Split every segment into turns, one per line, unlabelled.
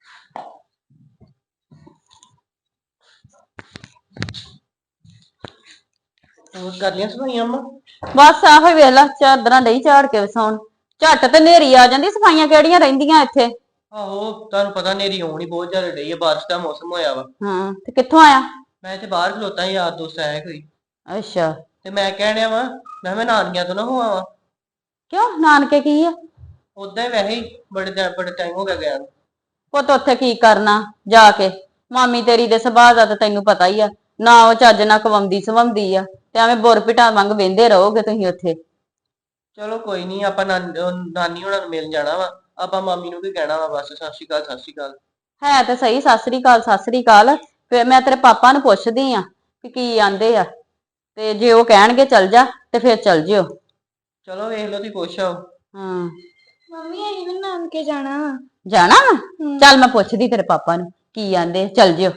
ਹੋਰ ਕਰਨੀਆਂ ਸਫਾਈਆਂ ਅੰਮਾ?
ਬਸ ਆਹੋ ਹੀ ਵੇਖ ਲਾ, ਚਾਦਰਾਂ ਡਈ ਝਾੜ ਕੇ ਵਸਾਉਣ। ਝੱਟ ਤੇ ਨੇਰੀ ਆ ਜਾਂਦੀ, ਸਫਾਈਆਂ ਕਿਹੜੀਆਂ ਰਹਿੰਦੀਆਂ ਇੱਥੇ।
ਆਹੋ ਤੁਹਾਨੂੰ ਪਤਾ ਨੇਰੀ ਆਉਣੀ ਬਹੁਤ ਜ਼ਿਆਦਾ ਡਈ ਆ, ਬਾਰਿਸ਼ ਦਾ ਮੌਸਮ ਹੋਇਆ ਵਾ।
ਹਾਂ ਤੇ ਕਿੱਥੋਂ ਆਇਆ?
ਮੈਂ ਤੇ ਬਾਹਰ ਖਲੋਤਾ ਸੀ, ਯਾਰ ਦੋਸਤ ਆਇਆ ਕੋਈ।
ਅੱਛਾ।
ਤੇ ਮੈਂ ਕਹਿਣ ਡਿਆ ਵਾ, ਮੈਂ ਨਾਨਕਿਆਂ ਤੋਂ ਨਾ ਹੋ ਆਵਾਂ।
ਕਿਉਂ, ਨਾਨਕੇ ਕੀ ਆ?
ਉਦਾਂ ਹੀ ਵੈਸੇ ਹੀ ਬੜੇ ਟਾਈਮ ਹੋ ਗਿਆ ਗਿਆ ਨੂੰ।
ਪੁੱਤ ਉੱਥੇ ਕੀ ਕਰਨਾ ਜਾ ਕੇ? ਮਾਮੀ ਤੇਰੀ ਦੇ ਸੁਭਾਅ ਦਾ ਤਾਂ ਤੈਨੂੰ ਪਤਾ ਹੀ ਆ, ਨਾ ਉਹ ਚੱਜ ਨਾਲ ਕਵਾਉਂਦੀ ਸਵਾਉਂਦੀ ਆ, ਤੇ ਐਵੇਂ ਬੁਰਪਿਟਾਂ ਵਾਂਗ ਵਹਿੰਦੇ ਰਹੋਗੇ ਤੁਸੀਂ ਉੱਥੇ।
ਚਲੋ ਕੋਈ ਨਹੀਂ, ਆਪਾਂ ਨਾਨੀ ਹੋਣਾ ਨੂੰ ਮਿਲਣ ਜਾਣਾ ਵਾ। ਆਪਾਂ ਮਾਮੀ ਨੂੰ ਵੀ ਕਹਿਣਾ ਵਾ, ਬਸ ਸਤਿ ਸ਼੍ਰੀ ਅਕਾਲ, ਸਤਿ ਸ਼੍ਰੀ ਅਕਾਲ।
ਹੈ ਤੇ ਸਹੀ, ਸਤਿ ਸ੍ਰੀ ਅਕਾਲ ਸਤਿ ਸ੍ਰੀ ਅਕਾਲ। ਫਿਰ ਮੈਂ ਤੇਰੇ ਪਾਪਾ ਨੂੰ ਪੁੱਛਦੀ ਆ ਕਿ ਕੀ ਆਂਦੇ ਆ, ਤੇ ਜੇ ਉਹ ਕਹਿਣਗੇ ਚੱਲ ਜਾ ਤੇ ਫਿਰ ਚੱਲ ਜਿਓ।
ਚਲੋ ਵੇਖ ਲਓ, ਤੁਸੀਂ ਪੁੱਛ ਆਓ।
ਹਾਂ
ਮੰਮੀ ਅਸੀਂ ਵੀ ਨਾਨਕੇ ਜਾਣਾ ਵਾ।
ਜਾਣਾ ਵਾ? ਚੱਲ ਮੈਂ ਪੁੱਛਦੀ ਤੇਰੇ ਪਾਪਾ ਨੂੰ ਕੀ ਆਂਦੇ, ਚੱਲ ਜਿਓ।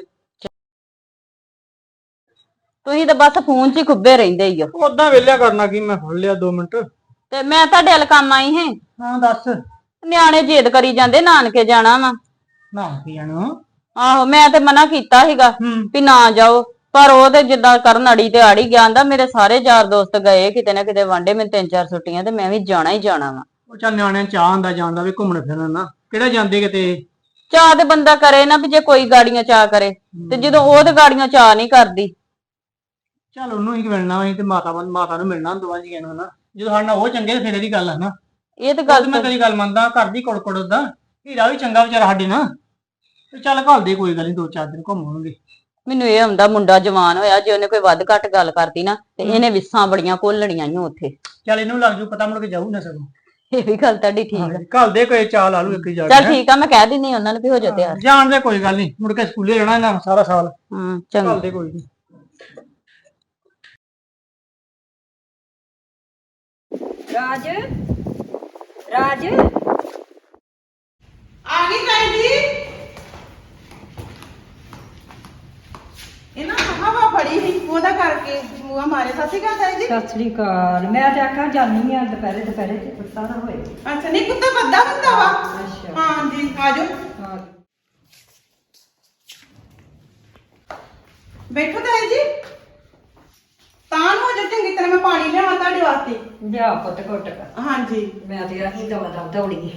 ਤੁਸੀਂ ਤਾਂ ਬਸ ਫੋਨ 'ਚ ਹੀ ਖੁੱਬੇ ਰਹਿੰਦੇ ਹੀ ਹੋ।
ਉਦਾਂ ਵੇਲਿਆ ਕਰਨਾ ਕੀ, ਮੈਂ ਫੜ ਲਿਆ 2 ਮਿੰਟ।
ਤੇ ਮੈਂ ਤੁਹਾਡੇ ਵੱਲ ਕੰਮ ਆਈ ਹਾਂ।
ਹਾਂ ਦੱਸ।
ਨਿਆਣੇ ਜਿੱਦ ਕਰੀ ਜਾਂਦੇ ਨਾਨਕੇ ਜਾਣਾ ਵਾ।
ਨਾਨਕੇ ਜਾਣਾ?
ਆਹੋ ਮੈਂ ਤੇ ਮਨਾ ਕੀਤਾ ਸੀਗਾ ਵੀ ਨਾ ਜਾਓ, ਪਰ ਉਹ ਤੇ ਜਿੱਦਾਂ ਕਰਨ ਅੜੀ ਤੇ ਆੜੀ ਗਿਆ, ਆਂਦਾ ਮੇਰੇ ਸਾਰੇ ਯਾਰ ਦੋਸਤ ਗਏ ਕਿਤੇ ਨਾ ਕਿਤੇ ਵਾਂਡੇ, ਮੈਨੂੰ 3-4 ਛੁੱਟੀਆਂ ਤੇ ਮੈਂ ਵੀ ਜਾਣਾ ਹੀ ਜਾਣਾ ਵਾ।
ਉਹ ਚੱਲ ਨਿਆਣਿਆਂ ਨੂੰ ਚਾਹ ਹੁੰਦਾ ਜਾਣ ਦਾ, ਵੀ ਘੁੰਮਣ ਫਿਰਨ ਨਾ ਕਿਹੜਾ ਜਾਂਦੇ ਕਿਤੇ।
ਚਾਹ ਤੇ ਬੰਦਾ ਕਰੇ ਨਾ, ਵੀ ਜੇ ਕੋਈ ਗਾੜੀਆਂ ਚਾਹ ਕਰੇ, ਤੇ ਜਦੋਂ ਉਹ ਤੇ ਗਾੜੀਆਂ ਚਾਹ ਨਹੀਂ ਕਰਦੀ।
ਚੱਲ ਉਹਨੂੰ ਹੀ ਮਿਲਣਾ, ਅਸੀਂ ਤੇ ਮਾਤਾ ਨੂੰ ਮਿਲਣਾ ਦੋਵਾਂ ਜੀਆਂ ਨੂੰ ਨਾ। ਜਦੋਂ ਸਾਡੇ ਨਾਲ ਉਹ ਚੰਗੇ ਫਿਰ ਇਹਦੀ ਗੱਲ ਹੈ ਨਾ।
ਇਹ ਤੇ ਗੱਲ
ਮੈਂ ਤੇਰੀ ਗੱਲ ਮੰਨਦਾ, ਘਰ ਦੀ ਕੁੜ ਉਦਾਂ ਹੀਰਾ ਵੀ ਚੰਗਾ ਵਿਚਾਰਾ ਸਾਡੇ ਨਾਲ। ਤੇ ਚੱਲ ਘੱਲ ਦੇ, ਕੋਈ ਗੱਲ ਨੀ, 2-4 ਦਿਨ ਘੁੰਮਾਂਗੇ।
ਮੈਨੂੰ ਇਹ ਹੁੰਦਾ ਮੁੰਡਾ ਜਵਾਨ ਹੋਇਆ, ਜੇ ਉਹਨੇ ਕੋਈ ਵੱਧ ਘੱਟ ਗੱਲ ਕਰਦੀ ਨਾ ਤੇ ਇਹਨੇ ਵਿਸਾਂ ਬੜੀਆਂ ਘੋਲਣੀਆਂ ਈ ਉੱਥੇ।
ਚੱਲ ਇਹਨੂੰ ਲੱਗ ਜੂ ਪਤਾ, ਮੁੜ ਕੇ ਜਾਊ ਨਾ ਸਗੋਂ।
ਇਹ ਵੀ ਗੱਲ ਤੁਹਾਡੀ ਠੀਕ ਆ।
ਘੱਲ ਦੇ, ਕੋਈ ਚਾਹ ਲਾ ਲੂ ਇੱਕ ਜਾ ਕੇ।
ਚੱਲ ਠੀਕ ਆ, ਮੈਂ ਕਹਿ ਦਿੰਨੀ ਉਹਨਾਂ ਨੂੰ ਵੀ ਹੋ ਜਾ ਤਿਆਰ।
ਜਾਣ ਦੇ, ਕੋਈ ਗੱਲ ਨੀ, ਮੁੜ ਕੇ ਸਕੂਲੇ ਰਹਿਣਾ ਇਹਨਾਂ ਸਾਰਾ ਸਾਲ।
ਚੰਗਾ।
ਘੱਲ ਦੇ, ਕੋਈ ਨੀ।
ਰਾਜ ਰਾਜ
ਆ ਗਈ ਤਾਈ ਜੀ। ਇਹਨਾਂ ਹਵਾ ਬੜੀ ਸੀ, ਉਹਦਾ ਕਰਕੇ ਮੂੰਹ ਮਾਰੇ। ਸਤਿ ਸ਼੍ਰੀ ਅਕਾਲ ਤਾਈ ਜੀ।
ਸਤਿ ਸ੍ਰੀ ਅਕਾਲ। ਮੈਂ ਤੇ ਆਖਾਂ ਜਾਨੀ ਆ ਦੁਪਹਿਰੇ ਤੇ ਕੁੱਤਾ ਨਾ ਹੋਏ।
ਅੱਛਾ, ਨਹੀਂ ਕੁੱਤਾ ਵੱਡਾ ਹੁੰਦਾ ਵਾ।
ਅੱਛਾ
ਹਾਂ ਜੀ, ਆ ਜਾਓ
ਹਾਂ।
ਬੈਠੋ ਤਾਈ ਜੀ। ਤਾਂ ਨੂੰ ਹੋ ਜਾ, ਚੰਗੀ ਤਰ੍ਹਾਂ ਮੈਂ ਪਾਣੀ ਲਿਆਵਾਂ ਤੁਹਾਡੇ ਵਾਸਤੇ।
ਲਿਆ ਪੁੱਤ ਘੁੱਟ।
ਹਾਂ ਜੀ।
ਮੈਂ ਤੇ ਆਹੀ ਦਵਾ ਦੌੜੀ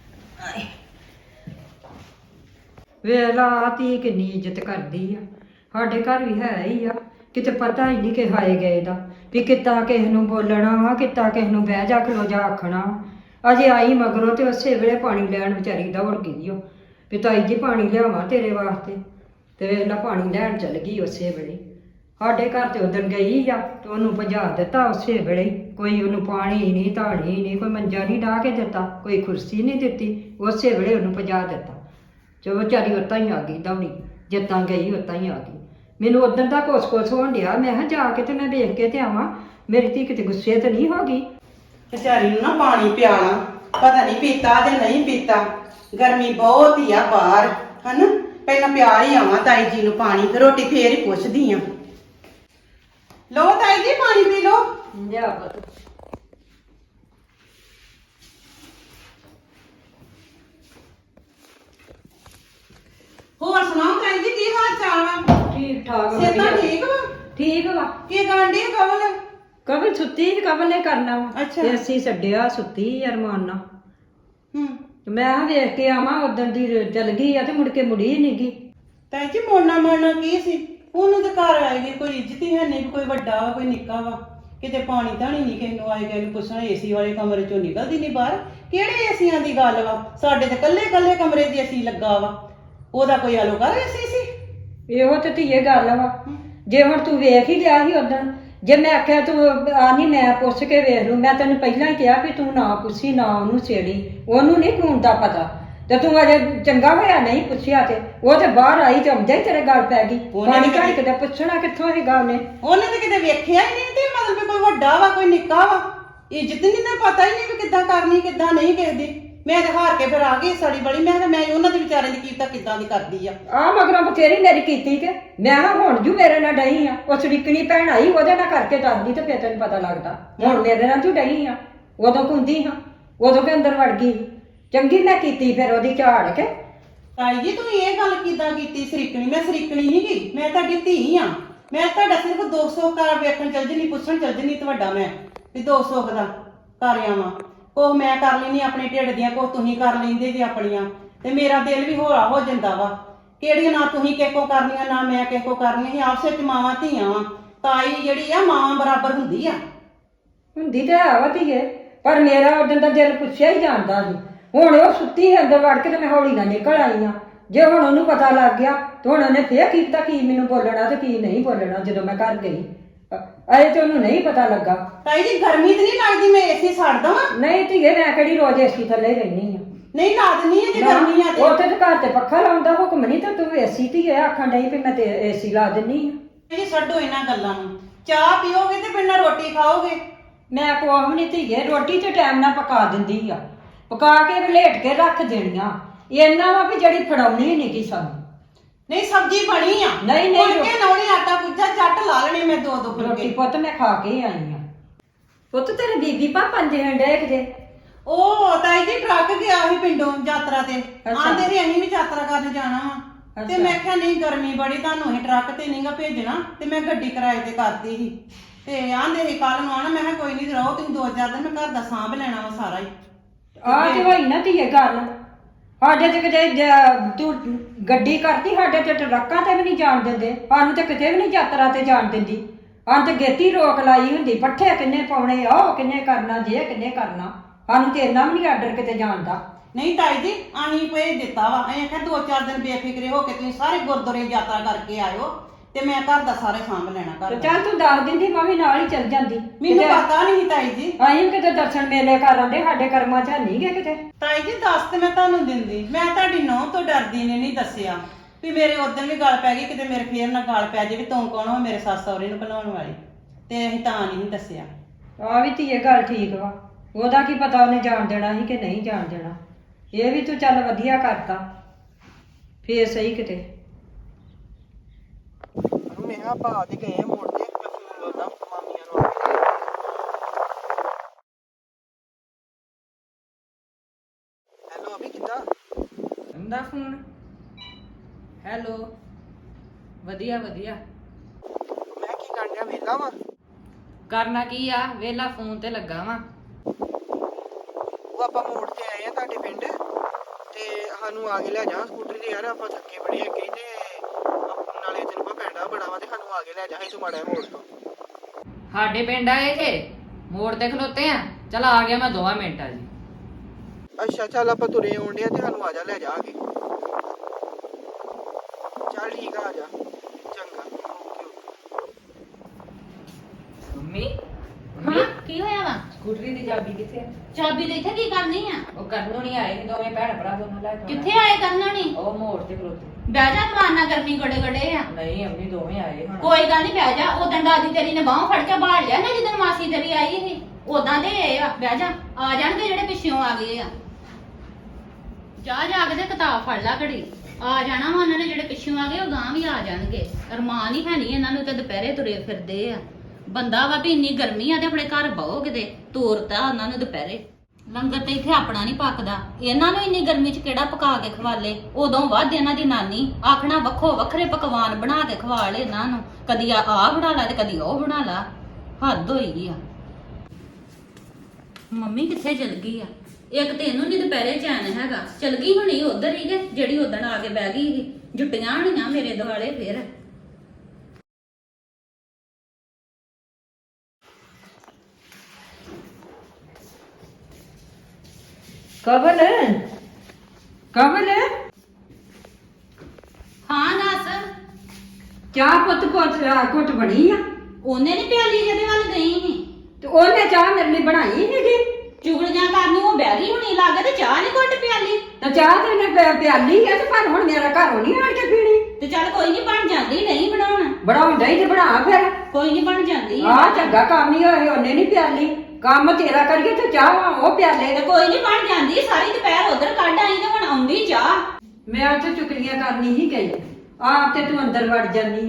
ਵੇਲਾ ਤੀ ਕਿੰਨੀ ਇੱਜ਼ਤ ਕਰਦੀ ਆ। ਸਾਡੇ ਘਰ ਵੀ ਹੈ ਹੀ ਆ, ਕਿਤੇ ਪਤਾ ਹੀ ਨਹੀਂ ਕਿ ਹਾਏ ਗਏ ਦਾ, ਵੀ ਕਿੱਦਾਂ ਕਿਸੇ ਨੂੰ ਬੋਲਣਾ ਵਾ, ਕਿੱਦਾਂ ਕਿਸੇ ਨੂੰ ਬਹਿ ਜਾ ਖਲੋ ਜਾ ਆਖਣਾ। ਅਜੇ ਆਈ ਮਗਰੋਂ ਤੇ ਉਸੇ ਵੇਲੇ ਪਾਣੀ ਲੈਣ ਵਿਚਾਰੀ ਦੌੜ ਗਈ ਓ, ਵੀ ਤਾਈ ਜੀ ਪਾਣੀ ਲਿਆਵਾਂ ਤੇਰੇ ਵਾਸਤੇ। ਤੇ ਵੇਲਾ ਪਾਣੀ ਲੈਣ ਚਲ ਗਈ ਉਸੇ ਵੇਲੇ। ਸਾਡੇ ਘਰ ਤੇ ਉਦਣ ਗਈ ਆ ਤੇ ਉਹਨੂੰ ਭਜਾ ਦਿੱਤਾ ਉਸੇ ਵੇਲੇ। ਕੋਈ ਉਹਨੂੰ ਪਾਣੀ ਨਹੀਂ, ਧਾਣੀ ਨਹੀਂ, ਕੋਈ ਮੰਜਾ ਨਹੀਂ ਢਾਹ ਕੇ ਦਿੱਤਾ, ਕੋਈ ਕੁਰਸੀ ਨਹੀਂ ਦਿੱਤੀ, ਉਸੇ ਵੇਲੇ ਉਹਨੂੰ ਭਜਾ ਦਿੱਤਾ। ਚਲੋ ਵਿਚਾਰੀ ਉੱਤਾਂ ਹੀ ਆ ਗਈ ਦੌੜੀ, ਜਿੱਦਾਂ ਗਈ ਉੱਤਾਂ ਹੀ ਆ ਗਈ। ਮੈਨੂੰ ਉਦੋਂ ਦਾ ਕੋਸ ਹੋਣ ਡਿਆ, ਮੈਂ ਕਿਹਾ ਜਾ ਕੇ ਤੇ ਮੈਂ ਵੇਖ ਕੇ ਤੇ ਆਵਾਂ, ਮੇਰੀ ਧੀ ਕਿਤੇ ਗੁੱਸੇ ਤੇ ਨਹੀਂ ਹੋ ਗਈ।
ਵਿਚਾਰੀ ਨੂੰ ਨਾ ਪਾਣੀ ਪਿਆਣਾ, ਪਤਾ ਨਹੀਂ ਪੀਤਾ ਜਾਂ ਨਹੀਂ ਪੀਤਾ। ਗਰਮੀ ਬਹੁਤ ਹੀ ਆ ਬਾਹਰ, ਹਨਾ। ਪਹਿਲਾਂ ਪਿਆ ਹੀ ਆਵਾਂ ਤਾਈ ਜੀ ਨੂੰ ਪਾਣੀ, ਤੇ ਰੋਟੀ ਫੇਰ ਹੀ ਪੁੱਛਦੀ ਆ। ਲੋ ਤਾਈ ਜੀ, ਪਾਣੀ ਪੀ ਲੋ।
ਲਿਆ ਪੁੱਤ।
ਹੋਰ ਸੁਣਾਓ ਤਾਈ ਜੀ, ਕੀ ਹਾਲ ਚਾਲ ਵਾ?
ਠੀਕ ਠਾਕ
ਸਿਹਤਾਂ ਠੀਕ ਵਾ?
ਠੀਕ ਵਾ।
ਕੀ ਗਾਂਢੀ ਕਵਲ?
ਕਵਲ ਸੁੱਤੀ ਸੀ, ਕਵਲ ਨੇ ਕਰਨਾ ਵਾ।
ਅੱਛਾ।
ਤੇ ਅਸੀਂ ਛੱਡਿਆ ਸੁੱਤੀ ਅਰਮਾਨ ਨਾਲ।
ਹੂੰ।
ਮੈਂ ਕਿਹਾ ਵੇਖ ਕੇ ਆਵਾਂ, ਉਦੋਂ ਦੀ ਚਲ ਗਈ ਆ ਤੇ ਮੁੜ ਕੇ ਮੁੜੀ ਨਹੀਂ ਗਈ।
ਤਾਈ ਜੀ ਮੋੜਨਾ ਕੀ ਸੀ? ਉਹਨੂੰ ਤੇ ਘਰ ਆਏਗੀ, ਕੋਈ ਇੱਜ਼ਤ ਹੀ ਹੈ ਨਹੀਂ, ਕੋਈ ਵੱਡਾ ਵਾ ਕੋਈ ਨਿੱਕਾ ਵਾ। ਕਿਤੇ ਪਾਣੀ ਧਾਣੀ ਨਹੀਂ ਕਿਸੇ ਨੂੰ ਆਏ, ਕਿਸੇ ਨੂੰ ਪੁੱਛਣਾ। ਏਸੀ ਵਾਲੇ ਕਮਰੇ ਚੋਂ ਨਿਕਲਦੀ ਨਹੀਂ ਬਾਹਰ। ਕਿਹੜੇ ਏਸੀਆਂ ਦੀ ਗੱਲ ਵਾ? ਸਾਡੇ ਤੇ ਕੱਲੇ ਕਮਰੇ 'ਚ ਏਸੀ ਲੱਗਾ ਵਾ। ਉਹਦਾ ਕੋਈ ਅਲੋਕਾਰ ਏਸੀ ਸੀ?
ਇਹੋ ਤੇ ਧੀਏ ਗੱਲ ਵਾ। ਜੇ ਹੁਣ ਤੂੰ ਵੇਖ ਹੀ ਲਿਆ ਸੀ ਉਦੋਂ, ਜੇ ਮੈਂ ਆਖਿਆ ਤੂੰ ਆ ਨਹੀਂ ਮੈਂ ਪੁੱਛ ਕੇ ਵੇਖ ਲੂ, ਮੈਂ ਤੈਨੂੰ ਪਹਿਲਾਂ ਹੀ ਕਿਹਾ ਵੀ ਤੂੰ ਨਾ ਪੁੱਛੀ, ਨਾ ਉਹਨੂੰ ਛੇੜੀ, ਉਹਨੂੰ ਨਹੀਂ ਖੂਨ ਦਾ ਪਤਾ। ਤੇ ਤੂੰ ਅਜੇ ਚੰਗਾ ਹੋਇਆ ਨਹੀਂ ਪੁੱਛਿਆ, ਤੇ ਉਹ ਤੇ ਬਾਹਰ ਆਈ ਤੇ ਆਉਂਦੇ ਹੀ ਤੇਰੇ ਗੱਲ ਪੈ ਗਈ। ਪਾਣੀ ਘੜ ਕੇ ਪੁੱਛਣਾ ਕਿੱਥੋਂ ਹੈਗਾ ਉਹਨੇ?
ਉਹਨੇ ਤਾਂ ਕਿਤੇ ਵੇਖਿਆ ਹੀ ਨਹੀਂ, ਤੇ ਮਤਲਬ ਕੋਈ ਵੱਡਾ ਵਾ ਕੋਈ ਨਿੱਕਾ ਵਾ, ਇੱਜ਼ਤ ਨਹੀਂ ਨਾ ਪਤਾ ਹੀ ਨਹੀਂ ਵੀ ਕਿੱਦਾਂ ਕਰਨੀ ਕਿੱਦਾਂ ਨਹੀਂ ਕਿਸੇ ਦੀ। ਮੈਂ ਤੇ ਹਾਰ ਕੇ ਫਿਰ ਆ ਗਈ ਸੜੀ ਬੜੀ। ਮੈਂ ਉਹਨਾਂ ਦੀ ਵਿਚਾਰੇ ਦੀ ਕੀਤਾ ਕਿੱਦਾਂ ਦੀ ਕਰਦੀ ਆ।
ਮਗਰੋਂ ਬਥੇਰੀ ਮੇਰੀ ਕੀਤੀ ਤੇ ਮੈਂ ਕਿਹਾ ਹੁਣ ਜੂ ਮੇਰੇ ਨਾਲ ਡਈ ਆ। ਉਹ ਸੜਿਕਣੀ ਭੈਣ ਆਈ, ਉਹਦੇ ਨਾਲ ਕਰਕੇ ਦੱਸਦੀ ਤੇ ਫਿਰ ਤੈਨੂੰ ਪਤਾ ਲੱਗਦਾ। ਹੁਣ ਮੇਰੇ ਨਾਲ ਤੂੰ ਡਈ ਆ, ਉਦੋਂ ਕੁੰਦੀ ਹਾਂ, ਉਦੋਂ ਕੇ ਅੰਦਰ ਵੜ ਗਈ। ਚੰਗੀ ਮੈਂ ਕੀਤੀ ਫਿਰ ਉਹਦੀ ਝਾੜ ਕੇ।
ਤਾਈ ਜੀ ਤੂੰ ਇਹ ਗੱਲ ਕਿੱਦਾਂ ਕੀਤੀ ਸਰੀਕਣੀ? ਮੈਂ ਸਰੀਕਣੀ ਨਹੀਂ ਗਈ, ਮੈਂ ਤੁਹਾਡੀ ਧੀ ਆ। ਮੈਂ ਤੁਹਾਡਾ ਸਿਰਫ 200 ਘਰ ਵੇਖਣ ਚੱਲ ਜਣੀ, ਪੁੱਛਣ ਚੱਲ ਜਣੀ ਤੁਹਾਡਾ ਮੈਂ ਵੀ 200 ਦਾ ਕਰ ਆਵਾਂ। ਕੋਹ ਮੈਂ ਕਰ ਲੈਣੀ ਆਪਣੇ ਢਿੱਡ ਦੀਆਂ, ਕੋਹ ਤੁਸੀਂ ਕਰ ਲੈਂਦੇ ਜੇ ਆਪਣੀਆਂ, ਤੇ ਮੇਰਾ ਦਿਲ ਵੀ ਹੌਲਾ ਹੋ ਜਾਂਦਾ ਵਾ। ਕਿਹੜੀਆਂ ਨਾ ਤੁਸੀਂ ਕਿਸੇ ਕੋ ਕਰਨੀਆਂ ਨਾ ਮੈਂ ਕਿਸੇ ਕੋ ਕਰਨੀਆਂ, ਅਸੀਂ ਆਪਸ ਵਿੱਚ ਮਾਵਾਂ ਧੀਆਂ ਵਾਂ। ਤਾਈ ਜਿਹੜੀ ਆ ਮਾਵਾਂ ਬਰਾਬਰ ਹੁੰਦੀ ਆ।
ਹੁੰਦੀ ਤੇ ਹੈ ਵਾ ਧੀਏ, ਪਰ ਮੇਰਾ ਉਦੋਂ ਦਾ ਦਿਲ ਪੁੱਛਿਆ ਹੀ ਜਾਂਦਾ ਸੀ। ਹੁਣ ਉਹ ਸੁੱਤੀ ਹੈ ਅੰਦਰ ਵੜ ਕੇ ਤੇ ਮੈਂ ਹੌਲੀ ਨਾਲ ਨਿਕਲ ਆਈ ਆ। ਜੇ ਹੁਣ ਉਹਨੂੰ ਪਤਾ ਲੱਗ ਗਿਆ ਤੇ ਹੁਣ ਉਹਨੇ ਫੇਰ ਕੀਤਾ ਕੀ ਮੈਨੂੰ ਬੋਲਣਾ ਤੇ ਕੀ ਨਹੀਂ ਬੋਲਣਾ ਜਦੋਂ ਮੈਂ ਘਰ ਗਈ। ਅਜੇ ਤੇ ਉਹਨੂੰ ਨਹੀਂ ਪਤਾ ਲੱਗਾ।
ਤਾਈ ਜੀ ਗਰਮੀ ਤੇ ਨਹੀਂ ਲੱਗਦੀ ਮੈਂ ਏਸੀ ਛੱਡ ਦਵਾਂ?
ਨਹੀਂ ਧੀਏ, ਮੈਂ ਕਿਹੜੀ ਰੋਜ਼ ਏਸੀ ਥੱਲੇ ਰਹਿਣੀ ਆ।
ਨਹੀਂ ਲਾਦਨੀ ਹੈ ਜੇ ਗਰਮੀ ਆ ਤੇ।
ਉੱਥੇ ਤੇ ਘਰ ਤੇ ਪੱਖਾ ਲਾਉਣ ਦਾ ਹੁਕਮ ਨਹੀਂ, ਤੇ ਤੂੰ ਏਸੀ ਧੀਏ ਆਖਣ ਡਈ ਵੀ ਮੈਂ ਤੇ ਏਸੀ ਲਾ ਦਿੰਨੀ ਆ।
ਜੀ ਛੱਡੋ ਇਹਨਾਂ ਗੱਲਾਂ ਨੂੰ, ਚਾਹ ਪੀਓਗੇ ਤੇ ਬਿਨਾਂ ਰੋਟੀ ਖਾਓਗੇ?
ਮੈਂ ਕੋਹ ਨਹੀਂ ਧੀਏ, ਰੋਟੀ ਤੇ ਟਾਈਮ ਨਾਲ ਪਕਾ ਦਿੰਦੀ ਆ, ਪਕਾ ਕੇ ਵਲੇਟ ਕੇ ਰੱਖ ਦੇਣੀਆਂ। ਇਹਨਾਂ ਵਾ ਵੀ ਜਿਹੜੀ ਫੜਾਉਣੀ ਨਹੀਂ ਕੀ ਸਾਨੂੰ।
ਨਹੀਂ ਸਬਜ਼ੀ ਬਣੀ ਆ,
ਨਹੀਂ,
ਫੁਲਕੇ ਲਾਉਣੇ, ਆਟਾ ਗੁੱਜਾ ਝੱਟ ਲਾ ਲੈਣੇ ਮੈਂ ਦੋ
ਰੋਟੀ
ਫੁਲਕੇ।
ਪੁੱਤ ਮੈਂ ਖਾ ਕੇ ਹੀ ਆਈ ਆ। ਪੁੱਤ ਤੇਰੇ ਬੀਬੀ ਪਾਪਾ ਦੇ ਹੰਡੇ ਕਿਤੇ।
ਉਹ ਤਾਈ ਜੀ ਟਰੱਕ ਗਿਆ ਸੀ ਪਿੰਡੋਂ ਯਾਤਰਾ ਤੇ,
ਅੱਛਾ।
ਆਂਦੇ ਸੀ ਅਸੀਂ ਵੀ ਯਾਤਰਾ ਕਰਨ ਜਾਣਾ ਵਾ। ਤੇ
ਅੱਛਾ।
ਮੈਂ ਕਿਹਾ ਨਹੀਂ ਗਰਮੀ ਬੜੀ, ਤੁਹਾਨੂੰ ਅਸੀਂ ਟਰੱਕ ਤੇ ਨਹੀਂਗਾ ਭੇਜਣਾ, ਤੇ ਮੈਂ ਗੱਡੀ ਕਿਰਾਏ ਤੇ ਕਰਤੀ ਸੀ। ਤੇ ਆਂਦੇ ਸੀ ਕੱਲ ਨੂੰ ਆਣਾ, ਮੈਂ ਕਿਹਾ ਕੋਈ ਨਹੀਂ ਰਹੋ ਤੁਸੀਂ 2-4 ਦਿਨ, ਮੈਂ ਘਰ ਦਾ ਸਾਂਭ ਲੈਣਾ ਵਾ ਸਾਰਾ ਹੀ।
ਆ ਤੇ ਹੋਈ ਨਾ ਧੀਏ ਗੱਲ। ਸਾਡੇ ਤੇ ਕਿਤੇ ਤੂੰ ਗੱਡੀ ਕਰਤੀ, ਸਾਡੇ ਤੇ ਟਰੱਕਾਂ ਤੇ ਵੀ ਨਹੀਂ ਜਾਣ ਦਿੰਦੇ, ਸਾਨੂੰ ਤੇ ਕਿਤੇ ਵੀ ਨਹੀਂ ਯਾਤਰਾ ਤੇ ਜਾਣ ਦਿੰਦੀ। ਹਾਂ ਤੇ ਗੇਤੀ ਰੋਕ ਲਾਈ ਹੁੰਦੀ, ਪੱਠੇ ਕਿੰਨੇ ਪਾਉਣੇ, ਆਹ ਕਿੰਨੇ ਕਰਨਾ, ਜੇ ਕਿੰਨੇ ਕਰਨਾ। ਸਾਨੂੰ ਤੇ ਇੰਨਾ ਵੀ ਨਹੀਂ ਆਰਡਰ ਕਿਤੇ ਜਾਣ ਦਾ।
ਨਹੀਂ ਤਾਈ ਜੀ ਅਸੀਂ ਭੇਜ ਦਿੱਤਾ ਵਾ, ਅਸੀਂ ਆਖਿਆ 2-4 ਦਿਨ ਬੇਫਿਕਰੇ ਹੋ ਕੇ ਤੁਸੀਂ ਸਾਰੇ ਗੁਰਦੁਆਰੇ ਯਾਤਰਾ ਕਰਕੇ ਆਇਓ, ਤੇ ਮੈਂ ਘਰ ਦਾ ਸਾਰੇ ਸਾਂਭ ਲੈਣਾ ਘਰ
ਤੇ
ਦਾ।
ਚੱਲ ਤੂੰ ਦੱਸ ਦਿੰਦੀ ਮੈਂ ਵੀ ਨਾਲ ਹੀ ਚੱਲ ਜਾਂਦੀ।
ਮੈਨੂੰ ਪਤਾ ਨਹੀਂ ਤਾਈ ਜੀ।
ਅਸੀਂ ਕਿਤੇ ਦਰਸ਼ਨ ਮੇਲੇ ਕਰ ਆਂਦੇ, ਸਾਡੇ ਕਰਮਾਂ 'ਚ ਨਹੀਂ ਗਏ ਕਿਤੇ।
ਤਾਈ ਜੀ ਦੱਸ ਤੇ ਮੈਂ ਤੁਹਾਨੂੰ ਦਿੰਦੀ, ਮੈਂ ਤੁਹਾਡੀ ਨੂੰਹ ਤੋਂ ਡਰਦੀ ਨੇ ਨਹੀਂ ਦੱਸਿਆ ਵੀ ਮੇਰੇ ਉਦੋਂ ਵੀ ਗੱਲ ਪੈ ਗਈ, ਕਿਤੇ ਮੇਰੇ ਫੇਰ ਨਾ ਗੱਲ ਪੈ ਜੇ ਵੀ ਤੂੰ ਕੌਣ ਹੋ ਮੇਰੇ ਸੱਸ ਸਹੁਰੇ ਨੂੰ ਭੁਲਾਉਣ ਵਾਲੀ, ਤੇ ਅਸੀਂ ਤਾਂ ਨਹੀਂ ਦੱਸਿਆ।
ਆ ਵੀ ਧੀਏ ਗੱਲ ਠੀਕ ਵਾ, ਉਹਦਾ ਕੀ ਪਤਾ ਉਹਨੇ ਜਾਣ ਦੇਣਾ ਸੀ ਕਿ ਨਹੀਂ ਜਾਣ ਦੇਣਾ। ਇਹ ਵੀ ਤੂੰ ਚੱਲ ਵਧੀਆ ਕਰਤਾ, ਫੇਰ ਸਹੀ ਕਿਤੇ।
ਮੈਂ ਆ ਭਾ ਦੇ ਗਏ ਮੋੜ ਤੇ, ਮੈਂ ਫੋਨ ਲਾਉਂਦਾ ਮਾਮੀਆਂ ਨੂੰ। ਹੈਲੋ ਅਭੀ ਕਿੱਦਾਂ?
ਦਾ ਫੋਨ। ਹੈਲੋ, ਵਧੀਆ ਵਧੀਆ।
ਮੈਂ ਕੀ ਕਰਨ ਡਿਆ, ਵਿਹਲਾ ਵਾਂ।
ਕਰਨਾ ਕੀ ਆ, ਵੇਲਾ ਫੋਨ ਤੇ ਲੱਗਾ ਵਾਂ।
ਉਹ ਆਪਾਂ ਮੋੜ ਤੇ ਆਏ ਆ ਤੁਹਾਡੇ ਪਿੰਡ, ਤੇ ਸਾਨੂੰ ਆ ਕੇ ਲੈ ਜਾ ਸਕੂਟਰੀ ਤੇ। ਯਾਰ ਆਪਾਂ ਥੱਕੇ ਬੜੇ ਹੈਗੇ ਤੇ ਨਾਲੇ ਤੈਨੂੰ ਪਾ ਪੈਂਡਾ ਬੜਾ ਵਾ, ਤੇ ਸਾਨੂੰ ਆ ਕੇ ਲੈ ਜਾ ਤੂੰ ਮਾੜਾ ਮੋੜ ਤੋਂ।
ਸਾਡੇ ਪਿੰਡ ਆਏ ਜੇ, ਮੋੜ ਤੇ ਖਲੋਤੇ ਆ। ਚਲ ਆ ਗਿਆ ਮੈਂ 2 ਮਿੰਟਾਂ ਜੀ।
ਅੱਛਾ ਚੱਲ ਆਪਾਂ ਤੁਰੇ ਆਉਣ ਡਿਆ, ਤੇ ਸਾਨੂੰ ਆ ਜਾ ਲੈ ਜਾ ਕੇ। ਚੱਲ ਠੀਕ ਆ ਜਾ। ਚੰਗਾ
ਮੰਮੀ
ਹਾਂ ਕੀ ਹੋਇਆ ਵਾ?
ਸਕੂਟਰੀ ਦੀ ਚਾਬੀ ਕਿੱਥੇ ਆ?
ਚਾਬੀ ਦੇ ਇੱਥੇ ਕੀ ਕਰਨੀ ਆ?
ਉਹ ਕਰਨ ਨਹੀਂ ਆਏ ਨੀ, ਦੋਵੇਂ ਭੈਣ ਭਰਾ ਦੋਨੋਂ ਲੈ ਕੇ ਆਉਣਾ।
ਕਿੱਥੇ ਆਏ ਕਰਨਾ ਨੀ?
ਉਹ ਮੋੜ ਤੇ ਖਲੋਤੇ।
ਬਹਿ ਜਾ ਮਾਰਨਾ, ਗਰਮੀ ਗੜੇ ਗੜੇ ਆ।
ਨਹੀਂ ਅੰਮੀ ਦੋਵੇਂ ਆਏ ਹੁਣ।
ਕੋਈ ਗੱਲ ਨਹੀਂ, ਬਹਿ ਜਾ। ਉਦੋਂ ਦਾਦੀ ਤੇਰੀ ਨੇ ਬਾਹੋਂ ਫੜ ਕੇ ਬਾਹਰ ਲਿਆ ਨਾ, ਜਦੋਂ ਮਾਸੀ ਤੇਰੀ ਆਈ ਸੀ ਉਦਾਂ ਦੇ ਆਏ ਆ। ਬਹਿ ਜਾ, ਆ ਜਾਣਗੇ ਜਿਹੜੇ ਪਿੱਛੋਂ ਆ ਗਏ ਆ। ਜਾ ਕੇ ਤੇ ਕਿਤਾਬ ਫੜ ਲਾ ਘੜੀ, ਆ ਜਾਣਾ ਵਾ ਉਹਨਾਂ ਨੇ। ਜਿਹੜੇ ਪਿੱਛੋਂ ਆ ਗਏ ਉਹ ਗਾਂ ਵੀ ਆ ਜਾਣਗੇ। ਅਰਮਾਨ ਹੀ ਹੈ ਨਹੀਂ ਇਹਨਾਂ ਨੂੰ, ਤੇ ਦੁਪਹਿਰੇ ਤੁਰੇ ਫਿਰਦੇ ਆ। ਬੰਦਾ ਵਾ ਵੀ ਇੰਨੀ ਗਰਮੀ ਆ ਤੇ ਆਪਣੇ ਘਰ ਬਹੋ ਕਿਤੇ, ਤੋਰਤਾ ਉਹਨਾਂ ਨੂੰ ਦੁਪਹਿਰੇ। ਲੰਗਰ ਤੇ ਇੱਥੇ ਆਪਣਾ ਨਹੀਂ ਪੱਕਦਾ, ਇਹਨਾਂ ਨੂੰ ਇੰਨੀ ਗਰਮੀ 'ਚ ਕਿਹੜਾ ਪਕਾ ਕੇ ਖਵਾਲੇ। ਉਦੋਂ ਵੱਧ ਇਹਨਾਂ ਦੀ ਨਾਨੀ ਆਖਣਾ ਵੱਖੋ ਵੱਖਰੇ ਪਕਵਾਨ ਬਣਾ ਕੇ ਖਵਾ ਲੈ ਇਹਨਾਂ ਨੂੰ, ਕਦੀ ਆਹ ਬਣਾ ਲਾ ਤੇ ਕਦੀ ਉਹ ਬਣਾ ਲਾ। ਹੱਦ ਹੋਈ ਆ। ਮੰਮੀ ਕਿੱਥੇ ਚਲ ਗਈ ਆ? ਇੱਕ ਤੇ ਇਹਨੂੰ ਨਹੀਂ ਦੁਪਹਿਰੇ ਚੈਨ ਹੈਗਾ, ਚਲ ਗਈ ਹੋਣੀ ਉਧਰ ਹੀ ਕਿ ਜਿਹੜੀ ਉਦਣ ਆ ਕੇ ਬਹਿ ਗਈ ਸੀ। ਜੁੱਟੀਆਂ ਹੋਣੀਆਂ ਮੇਰੇ ਦੁਆਲੇ ਫੇਰ।
ਕਬਲ ਕਬਲ
ਹਾਂ ਦੱਸ।
ਚਾਹ ਪੁੱਤ ਘੁੱਟ ਬਣੀ ਆ।
ਉਹਨੇ ਨੀ ਪਿਆਲੀ ਜਿਹਦੇ ਵੱਲ ਗਈ ਸੀ,
ਤੇ ਉਹਨੇ ਚਾਹ ਮੇਰੇ ਲਈ ਬਣਾਈ ਹੈਗੀ।
ਚੁਗਲੀਆਂ ਕਰਨੀ ਉਹ ਬਹਿ ਗਈ ਹੁਣੀ ਲੱਗ, ਤੇ ਚਾਹ ਨੀ ਘੁੱਟ ਪਿਆਲੀ।
ਤਾਂ ਚਾਹ ਤੇ ਉਹਨੇ ਪਿਆਲੀ ਆ, ਤੇ ਪਰ ਹੁਣ ਮੇਰਾ ਘਰੋਂ ਨਹੀਂ ਆਣ ਕੇ ਪੀਣੀ।
ਤੇ ਚੱਲ ਕੋਈ ਨਹੀਂ, ਬਣ ਜਾਂਦੀ। ਨਹੀਂ ਬਣਾਉਣਾ
ਬਣਾਉਂਦਾ ਹੀ ਤੇ ਬਣਾ ਫਿਰ।
ਕੋਈ ਨਹੀਂ, ਬਣ ਜਾਂਦੀ ਆ।
ਆਹ ਚੰਗਾ ਕੰਮ ਹੀ ਹੋਏ, ਉਹਨੇ ਨਹੀਂ ਪਿਆਲੀ। ਕੰਮ ਤੇਰਾ ਕਰੀਏ ਤੇ ਚਾਹ ਉਹ ਪਿਆਲੇ।
ਤੇ ਕੋਈ ਨਹੀਂ, ਬਣ ਜਾਂਦੀ। ਸਾਰੀ ਦੁਪਹਿਰ ਉਧਰ ਕੱਢ ਆਈ ਤੇ ਹੁਣ ਆਉਂਦੀ ਚਾਹ।
ਮੈਂ ਉੱਥੇ ਚੁਗਲੀਆਂ ਕਰਨੀ ਹੀ ਗਈ। ਆਪ ਤੇ ਤੂੰ ਅੰਦਰ ਵੜ ਜਾਂਦੀ ਹੈ।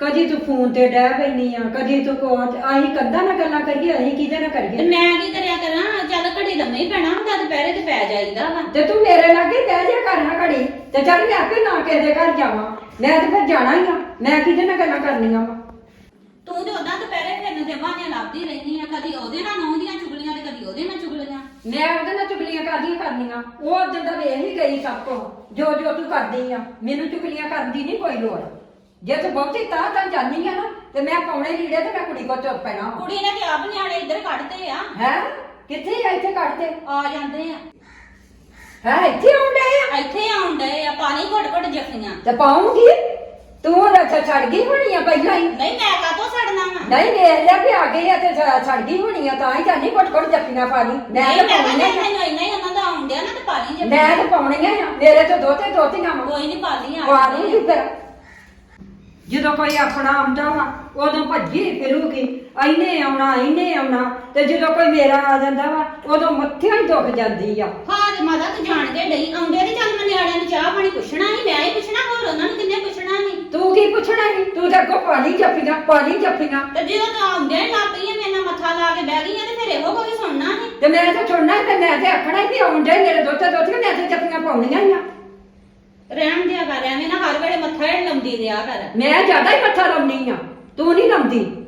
ਕਦੀ ਤੂੰ ਫੋਨ ਤੇ ਡਹਿ ਪੈਣੀ ਆ, ਕਦੀ ਤੂੰ ਅਸੀਂ ਕੰਧਾਂ ਨਾਲ ਗੱਲਾਂ ਕਰੀਏ, ਅਸੀਂ ਕਿਹਦੇ ਨਾਲ
ਤੇ
ਕਰੀਏ?
ਮੈਂ ਕੀ ਕਰਿਆ ਕਰਾਂ? ਚੱਲ ਘੜੀ ਲੰਮੇ ਹੀ ਪੈਣਾ ਹੁੰਦਾ, ਦੁਪਹਿਰੇ ਤੇ ਪੈ ਜਾਈਦਾ ਵਾ।
ਤੇ ਤੂੰ ਮੇਰੇ ਲਾਗੇ ਬਹਿ ਜਾ ਕਰਨਾ ਘੜੀ ਤੇ ਚੱਲ ਮੈਂ ਆਪੇ ਨਾ ਕਿਸੇ ਦੇ ਘਰ ਜਾਵਾਂ, ਮੈਂ ਤੇ ਫਿਰ ਜਾਣਾ ਹੀ ਆ, ਮੈਂ ਕਿਹਦੇ ਨਾਲ ਗੱਲਾਂ ਕਰਨੀਆਂ ਵਾ?
ਤੂੰ ਤੇ ਉਦਾਂ ਦੁਪਹਿਰੇ ਫਿਰਨ ਦੇ ਬਹਾਨੇ ਲੱਭਦੀ ਰਹਿਨੀ ਆ, ਕਦੀ ਉਹਦੇ ਨਾਲ ਨਹੁੰ ਦੀਆਂ ਚੁਗਲੀਆਂ ਤੇ ਕਦੀ ਉਹਦੇ ਨਾਲ ਚੁਗਲੀਆਂ।
ਮੈਂ ਉਹਦੇ ਨਾਲ ਚੁਗਲੀਆਂ ਕਾਹਦੀਆਂ ਕਰਨੀਆਂ? ਉਹ ਉਦੋਂ ਦਾ ਵੇਖ ਹੀ ਗਈ ਸਭ ਕੁਝ, ਜੋ ਜੋ ਤੂੰ ਕਰਦੀ ਆ। ਮੈਨੂੰ ਚੁਗਲੀਆਂ ਕਰਨ ਦੀ ਨਹੀਂ ਕੋਈ ਲੋੜ। ਜੇ ਤੂੰ ਬਹੁਤੀ ਤਾਂ ਜਾਣੀ ਆ ਨਾ ਤੇ ਮੈਂ ਪਾਉਣੇ ਲੀੜੇ ਤੇ ਮੈਂ ਕੁੜੀ ਕੋਲ ਤੁਰ ਪੈਣਾ।
ਕੁੜੀ ਨੇ ਤੇ ਆਪ ਨਿਆਣੇ ਇੱਧਰ ਕੱਢਦੇ ਆ।
ਹੈ ਕਿੱਥੇ ਆ? ਇੱਥੇ ਕੱਢਦੇ
ਆ ਜਾਂਦੇ ਆ,
ਹੈ ਇੱਥੇ ਆਉਂਦੇ ਆ
ਇੱਥੇ ਆਉਣ ਡਏ ਆ, ਪਾਣੀ ਘੁੱਟ ਘੁੱਟ ਜੱਫੀਆਂ।
ਤੇ ਪਾਉਂਗੀ। ਤੂੰ ਰੱਛਾ ਛੱਡ ਗਈ ਹੋਣੀ ਆ ਪਹਿਲਾਂ ਹੀ।
ਨਹੀਂ ਮੈਂ ਕਾਹਤੋਂ ਛੱਡਣਾ ਵਾ?
ਨਹੀਂ ਵੇਖ ਲਿਆ ਵੀ ਆ ਗਈ ਆ ਤੇ ਛੱਡ ਗਈ ਹੋਣੀ ਆ, ਤਾਂ ਹੀ ਜਾਨੀ ਘੁੱਟ ਜੱਫੀਆਂ ਪਾ ਲਈ। ਮੈਂ
ਨਹੀਂ
ਤਾਂ
ਮੈਂ
ਪਾਉਣੀਆਂ
ਕਹਿੰਦਾ
ਆ।
ਮੈਨੂੰ ਇੰਨਾ ਹੀ ਉਹਨਾਂ ਦਾ ਆਉਣ ਡਿਆ ਨਾ ਤੇ ਪਾਣੀ ਜੱਫੀਆਂ।
ਮੈਂ ਤਾਂ ਪਾਉਣੀਆਂ ਆ, ਮੇਰੇ ਤੋਂ ਦੋਤੀਆਂ ਵਾ।
ਕੋਈ ਨਹੀਂ ਪਾਲੀਆਂ
ਪਾ ਲੂੰਗੀ ਫਿਰ। ਜਦੋਂ ਕੋਈ ਆਪਣਾ ਆਉਂਦਾ ਵਾ ਉਦੋਂ ਭੱਜੀ ਫਿਰੂਗੀ, ਇਹਨੇ ਆਉਣਾ ਤੇ ਜਦੋਂ ਕੋਈ ਮੇਰਾ ਆ ਜਾਂਦਾ ਵਾ ਉਦੋਂ ਮੱਥਿਆਂ ਹੀ ਦੁਖ ਜਾਂਦੀ ਆ।
ਹਾਂ ਤੇ ਮਾਤਾ ਤੂੰ ਜਾਣਦੇ ਨਹੀਂ ਆਉਂਦੇ ਤੇ ਚੱਲ ਮੈਂ ਨਿਆਣਿਆਂ ਨੂੰ ਚਾਹ ਪਾਣੀ ਪੁੱਛਣਾ ਨਹੀਂ, ਮੈਂ ਹੀ ਪੁੱਛਣਾ, ਹੋਰ ਉਹਨਾਂ ਨੂੰ ਕਿੰਨੇ ਪੁੱਛਣਾ ਨਹੀਂ।
ਤੂੰ ਕੀ ਪੁੱਛਣਾ ਸੀ? ਤੂੰ ਤਾਂ ਅੱਗੋਂ ਪਾਣੀ ਜੱਫੀਆਂ
ਤੇ ਜਦੋਂ ਤੂੰ ਆਉਂਦੇ ਹੀ ਲੱਗ ਪਈ ਆ ਮੇਰੇ ਨਾਲ ਮੱਥਾ ਲਾ ਕੇ ਬਹਿ ਗਈ ਆ ਤੇ ਫਿਰ ਇਹੋ ਕੋਈ ਸੁਣਨਾ ਨਹੀਂ।
ਤੇ ਮੈਂ ਤਾਂ ਸੁਣਨਾ ਤੇ ਮੈਂ ਤੇ ਆਖਣਾ ਵੀ ਆਉਂਦੇ ਮੇਰੇ ਦੋਤੀਆਂ ਮੈਂ ਤੇ ਜੱਫੀਆਂ ਪਾਉਣੀਆਂ ਹੀ ਆ।
ਰਹਿਣ ਦਿਆ ਕਰ, ਐਵੇਂ ਨਾ ਹਰ ਵੇਲੇ ਮੱਥਾ ਹੀ ਲਾਉਂਦੀ ਰਿਹਾ ਕਰ।
ਮੈਂ ਜ਼ਿਆਦਾ ਹੀ ਮੱਥਾ ਲਾਉਣੀ ਆ, ਤੂੰ ਨਹੀਂ ਲਾਉਂਦੀ।